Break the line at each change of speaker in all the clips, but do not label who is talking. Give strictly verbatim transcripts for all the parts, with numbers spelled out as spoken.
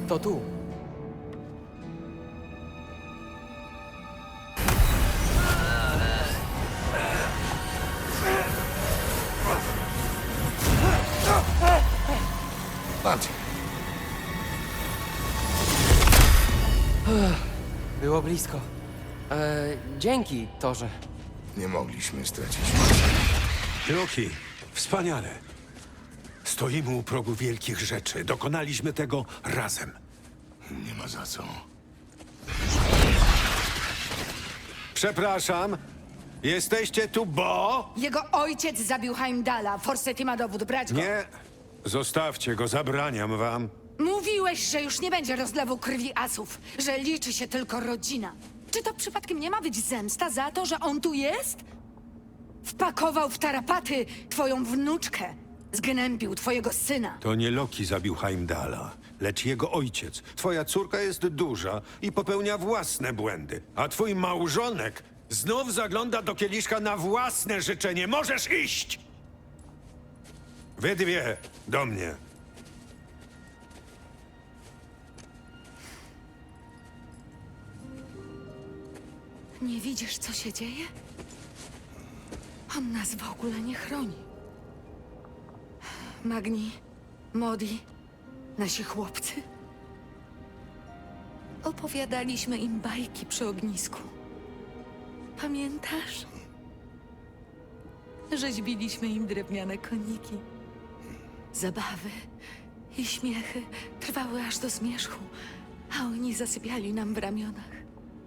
To tu.
Bardziej.
Było blisko. E, dzięki, Torze.
Nie mogliśmy stracić.
Loki, wspaniale. Stoimy u progu wielkich rzeczy. Dokonaliśmy tego razem.
Nie ma za co.
Przepraszam. Jesteście tu, bo...
Jego ojciec zabił Heimdalla. Forseti ma dowód, brać go.
Nie. Zostawcie go, zabraniam wam.
Mówiłeś, że już nie będzie rozlewu krwi asów, że liczy się tylko rodzina. Czy to przypadkiem nie ma być zemsta za to, że on tu jest? Wpakował w tarapaty twoją wnuczkę. Zgnębił twojego syna.
To nie Loki zabił Heimdalla, lecz jego ojciec. Twoja córka jest duża i popełnia własne błędy. A twój małżonek znów zagląda do kieliszka na własne życzenie. Możesz iść! Wy dwie, do mnie.
Nie widzisz, co się dzieje? On nas w ogóle nie chroni. Magni, Modi, nasi chłopcy. Opowiadaliśmy im bajki przy ognisku. Pamiętasz? Rzeźbiliśmy im drewniane koniki. Zabawy i śmiechy trwały aż do zmierzchu, a oni zasypiali nam w ramionach.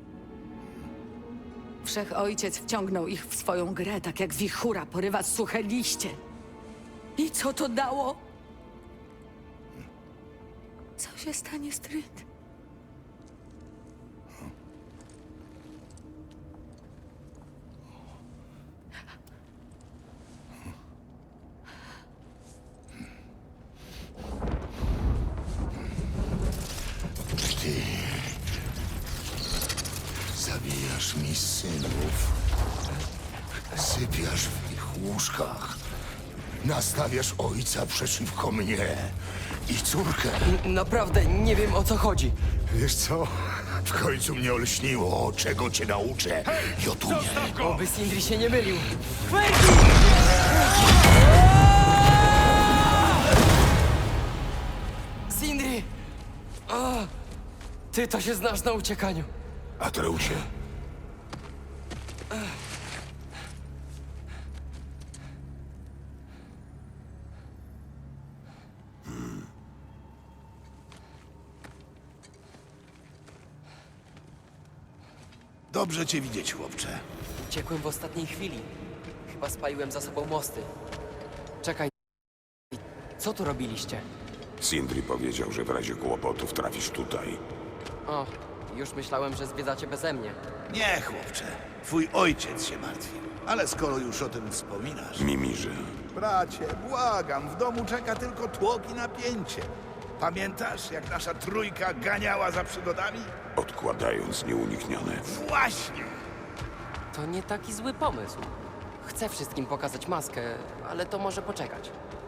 Wszechojciec wciągnął ich w swoją grę, tak jak wichura porywa suche liście. I co to dało? Co się stanie, Stryd?
Ty zabijasz mi synów. Sypiasz w ich łóżkach. Nastawiasz ojca przeciwko mnie i córkę.
N- naprawdę nie wiem, o co chodzi.
Wiesz co? W końcu mnie olśniło, czego cię nauczę. Jotunie.
Zostaw go!
Oby Sindri się nie mylił. Sindri! O, ty to się znasz na uciekaniu.
Atreusie.
Dobrze cię widzieć, chłopcze.
Uciekłem w ostatniej chwili. Chyba spaliłem za sobą mosty. Czekaj. Co tu robiliście?
Sindri powiedział, że w razie kłopotów trafisz tutaj.
O, już myślałem, że zwiedzacie beze mnie.
Nie, chłopcze. Twój ojciec się martwi. Ale skoro już o tym wspominasz...
Mimirze.
Bracie, błagam, w domu czeka tylko tłok i napięcie. Pamiętasz, jak nasza trójka ganiała za przygodami?
Odkładając nieuniknione.
Właśnie!
To nie taki zły pomysł. Chcę wszystkim pokazać maskę, ale to może poczekać.